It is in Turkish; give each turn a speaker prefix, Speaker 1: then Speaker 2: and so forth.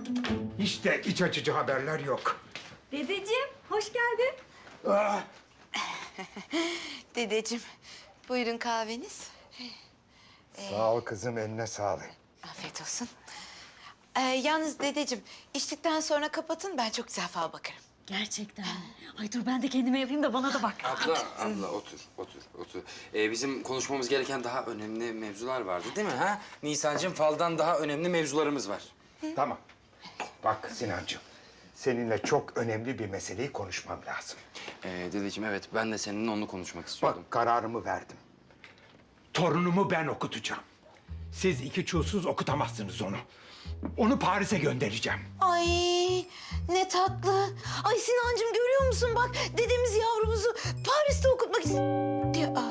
Speaker 1: Hiç de iç açıcı haberler yok.
Speaker 2: Dedeciğim, hoş geldin.
Speaker 1: Ah,
Speaker 3: Dedeciğim, buyurun kahveniz.
Speaker 1: sağ ol kızım, eline sağlık.
Speaker 3: Afiyet olsun. Yalnız dedeciğim, içtikten sonra kapatın, ben çok güzel fal bakarım.
Speaker 2: Gerçekten. Ay dur ben de kendime yapayım da bana da bak.
Speaker 4: Abla otur. Bizim konuşmamız gereken daha önemli mevzular vardı değil mi ha? Nisan'cığım faldan daha önemli mevzularımız var.
Speaker 1: Tamam. Bak Sinancığım, seninle çok önemli bir meseleyi konuşmam lazım.
Speaker 4: Dedeciğim evet ben de seninle onu konuşmak istiyordum.
Speaker 1: Bak, kararımı verdim. Torunumu ben okutacağım. Siz iki çulsuz okutamazsınız onu. Onu Paris'e göndereceğim.
Speaker 3: Ay ne tatlı. Ay Sinancığım görüyor musun bak dedemiz yavrumuzu Paris'te okutmak istiyor.